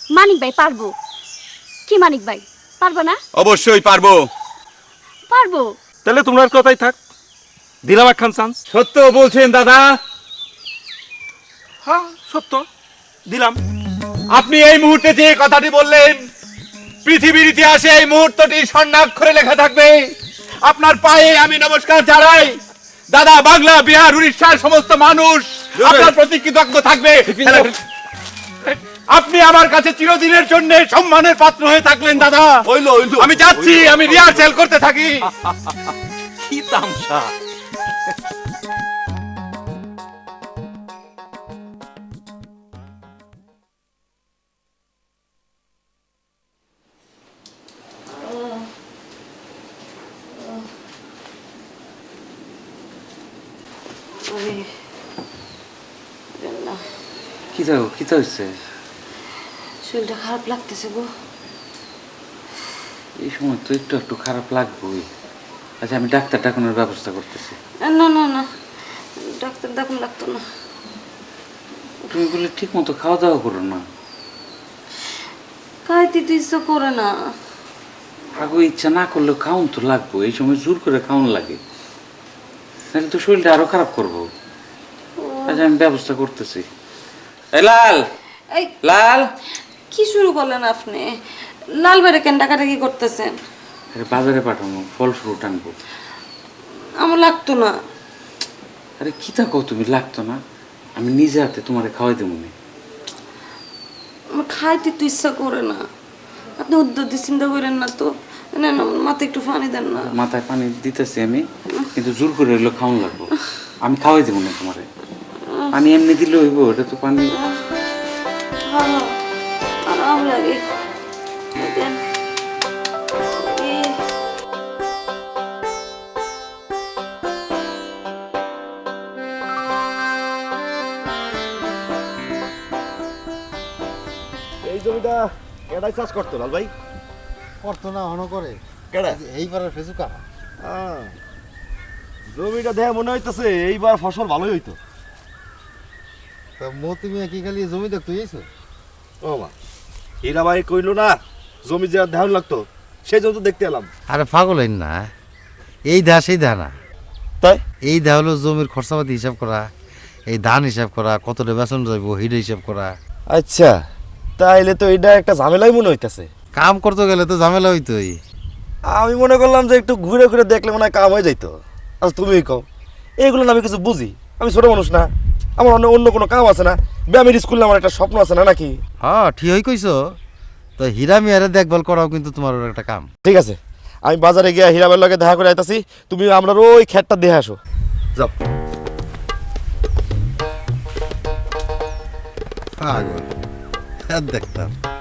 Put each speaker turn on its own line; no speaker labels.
মানিক ভাই পারবো। কি মানিক ভাই পারবো না?
অবশ্যই পারবো।
পারবো।
তাহলে তোমার কথাই থাক, দিলাম একখান চান্স।
সত্য বলছেন দাদা?
হ্যাঁ সত্য, দিলাম।
আপনি এই মুহূর্তে যে কথাটি বললেন, পৃথিবীর ইতিহাসে এই মুহূর্তটি স্বর্ণাক্ষরে লেখা থাকবে। আপনার পায়ে আমি নমস্কার জানাই দাদা। বাংলা, বিহার, উড়িষ্যার সমস্ত মানুষ আপনার প্রতি কৃতজ্ঞ থাকবে। আপনি আমার কাছে চিরদিনের জন্য সম্মানের পাত্র হয়ে থাকলেন দাদা। আমি যাচ্ছি, আমি রিহার্সেল করতে থাকি।
কি তামসা!
কি হচ্ছে?
শরীরটা খারাপ লাগতেছে গো।
এই সময় তো একটু একটু খারাপ লাগবেই। আচ্ছা, আমি ডাক্তার ডাকানোর ব্যবস্থা করতেছি।
না না না, ডাক্তার দেখান লাগতো না।
তুমি বলে ঠিক মতো খাওয়া দাওয়া করো না।
খাইতে তো ইচ্ছা করে না।
আগে ইচ্ছা না করলেও খাওন তো লাগবো। এই সময় জোর করে খাওয়ান লাগে, নাহলে তো শরীরটা আরো খারাপ করবো। আচ্ছা, আমি ব্যবস্থা করতেছি। এই লাল,
এই
লাল,
কি শুরু করলেন আপনি? লাল বাইরে কেন ডাকাডাকি করতেছেন?
আরে বাজারে পাঠানো ফল ফ্রুট আনবো।
আমার লাগতো না।
আরে কি থাকো, তুমি লাগতো না? আমি নিজে হাতে তোমারে খাওয়াই দেবো না।
আমার খাইতে তো ইচ্ছা করে না। আপনি উদ্যোগ দিয়ে চিন্তা করেন না তো। না না, মাথায় একটু পানি দেন না।
মাথায় পানি দিতেছি আমি, কিন্তু জোর করে এগুলো খাওয়ান লাগবো। আমি খাওয়াই দেবো না তোমারে। পানি এমনি দিলে হইব? এটা তো পানি।
হ্যাঁ, আরাম লাগে। দেন।
এই জমিটা কেডাই চাষ করতো লাল ভাই?
করতো না, হন করে।
কেডা?
এইবারের ফেসুকা।
জমিটা দেখে মনে হইতেছে এইবার ফসল ভালোই হইতো।
তা মতি মিয়া কি খালি জমি দেখতে গেছো?
ও মা, হীরা ভাই কইলো না জমি যে ধ্যান লাগতো, সেই জন্য তো দেখতে এলাম।
আরে পাগল হইন না, এই দা সেই দা না।
তাই
এই দা হলো জমির খরচাপাতি হিসাব করা, এই ধান হিসাব করা, কতটা বেতন যাইব হিডে হিসাব করা।
আচ্ছা, তাইলে তো এটা একটা ঝামেলাই মনে হইতেছে।
কাম করতে গেলে তো ঝামেলা হইতোই।
আমি মনে করলাম যে একটু ঘুরে ঘুরে দেখলে মনে হয় কাম হয়ে যাইতো। আচ্ছা তুমিই কও, এইগুলো না আমি কিছু বুঝি? আমি ছোট মানুষ না, আমার অন্য কোনো কাম আছে না? ব্যায়ামের স্কুলে আমার একটা স্বপ্ন আছে না নাকি?
হ্যাঁ ঠিকই কইছো। তো হীরা মিয়ারে দেখভাল করাও কিন্তু তোমার একটা কাম।
ঠিক আছে, আমি বাজারে গিয়ে হীরা ভাইয়ের লগে দেখা করে আইতাছি, তুমি আমরা ওই খেতটা দেখে আসো। যাও।
পাগল দেখতাম।